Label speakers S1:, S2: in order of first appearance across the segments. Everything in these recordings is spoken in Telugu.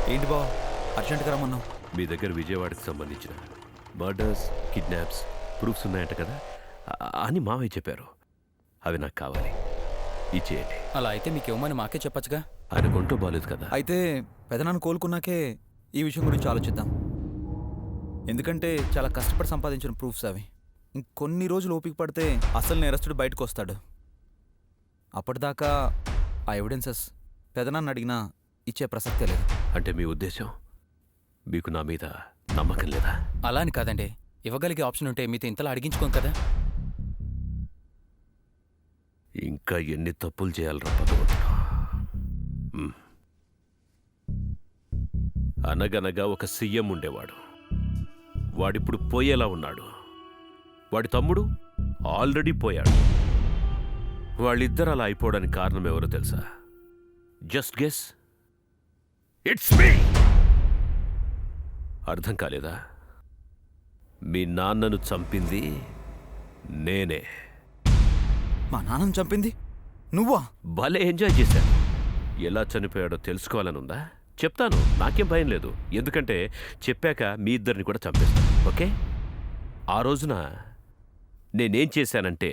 S1: ఏంటి బావ అర్జెంట్గా రమ్మన్నావు?
S2: మీ దగ్గర విజయవాడకి సంబంధించిన మర్డర్స్, కిడ్నాప్స్ ప్రూఫ్స్ ఉన్నాయంట కదా అని మావయ్య చెప్పారు. అవి నాకు కావాలి, ఇచ్చేయండి.
S3: అలా అయితే మీకు ఇవ్వమని మాకే చెప్పచ్చుగా.
S2: ఆయన కొంటూ బాలేదు కదా.
S1: అయితే పెదనాన్న కోలుకున్నాకే ఈ విషయం గురించి ఆలోచిద్దాం. ఎందుకంటే చాలా కష్టపడి సంపాదించిన ప్రూఫ్స్ అవి. ఇంకొన్ని రోజులు ఓపిక పడితే అసలు నేరస్తుడు బయటకు వస్తాడు. అప్పటిదాకా ఆ ఎవిడెన్సెస్ పెదనాన్న అడిగినా ఇచ్చే ప్రసక్తే లేదు.
S2: అంటే మీ ఉద్దేశం మీకు నా మీద నమ్మకం లేదా?
S3: అలా అని కాదండి, ఇవ్వగలిగే ఆప్షన్ ఉంటే మీతో ఇంతలా అడిగించుకోం కదా.
S2: ఇంకా ఎన్ని తప్పులు చేయాలరా భగవంతుడు. అనగనగా ఒక సీఎం ఉండేవాడు. వాడిప్పుడు పోయేలా ఉన్నాడు. వాడి తమ్ముడు ఆల్రెడీ పోయాడు. వాళ్ళిద్దరు అలా అయిపోవడానికి కారణం ఎవరో తెలుసా? Just guess. It's me. అర్థం కాలేదా? మీ నాన్నను చంపింది నేనే.
S1: మా నాన్నను చంపింది నువ్వా?
S2: భలే ఎంజాయ్ చేశాను. ఎలా చనిపోయాడో తెలుసుకోవాలనుందా? చెప్తాను, నాకేం భయం లేదు. ఎందుకంటే చెప్పాక మీ ఇద్దరిని కూడా చంపేస్తాను. ఓకే? ఆ రోజున నేనేం చేశానంటే,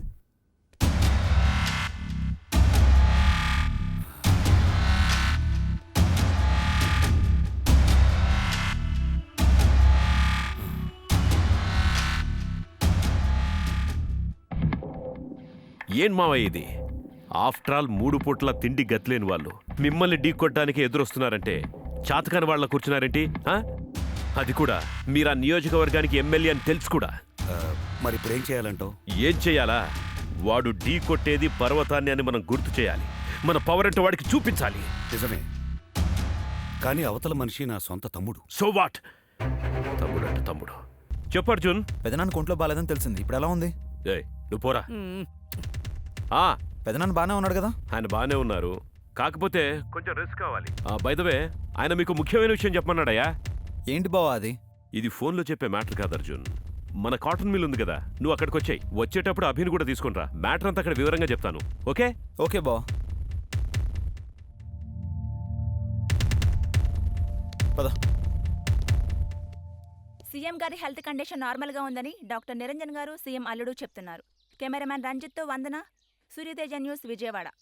S2: ఏం మావయ్య ఇది? ఆఫ్టర్ ఆల్ 3 పూట్ల తిండి గతిలేని వాళ్ళు మిమ్మల్ని ఢీ కొట్టడానికి ఎదురొస్తున్నారంటే చాతకాని వాళ్ళ కూర్చున్నారేంటి? అది కూడా మీరు ఆ నియోజకవర్గానికి ఎమ్మెల్యే అని తెలుసు కూడా.
S4: మరి ఇప్పుడు ఏం చేయాలంటావు?
S2: ఏం చేయాలా? వాడు ఢీ కొట్టేది పర్వతాన్ని అని మనం గుర్తు చేయాలి. మన పవర్ అంటే వాడికి చూపించాలి.
S4: నిజమే, కానీ అవతల మనిషి నా సొంత తమ్ముడు.
S2: So what? తమ్ముడు అంటే తమ్ముడు. చెప్పు అర్జున్.
S1: పెదనాన్న కొంట్లో బాలేదని తెలిసింది, ఇప్పుడు ఎలా ఉంది?
S2: ఏయ్, నువ్వు పోరా.
S1: పెదనాన్న బాగానే ఉన్నాడు కదా?
S2: ఆయన బాగానే ఉన్నారు, కాకపోతే కొంచెం రెస్ట్ కావాలి. బై ద వే, ఆయన మీకు ముఖ్యమైన విషయం చెప్పమన్నాడయ్యా.
S1: ఏంటి బావా అది?
S2: ఇది ఫోన్లో చెప్పే మ్యాటర్ కాదు అర్జున్. మన కాటన్ మిల్ ఉంది కదా, నువ్వు అక్కడికి వచ్చాయి. వచ్చేటప్పుడు అభిని కూడా తీసుకునిరా. మ్యాటర్ అంతా అక్కడ వివరంగా చెప్తాను. ఓకే?
S1: ఓకే బావా. పద.
S5: సీఎం గారి హెల్త్ కండిషన్ నార్మల్గా ఉందని డాక్టర్ నిరంజన్ గారు, సీఎం అల్లుడు చెప్తున్నారు. కెమెరామ్యాన్ రంజిత్తో వందన, సూర్యతేజ న్యూస్, విజయవాడ.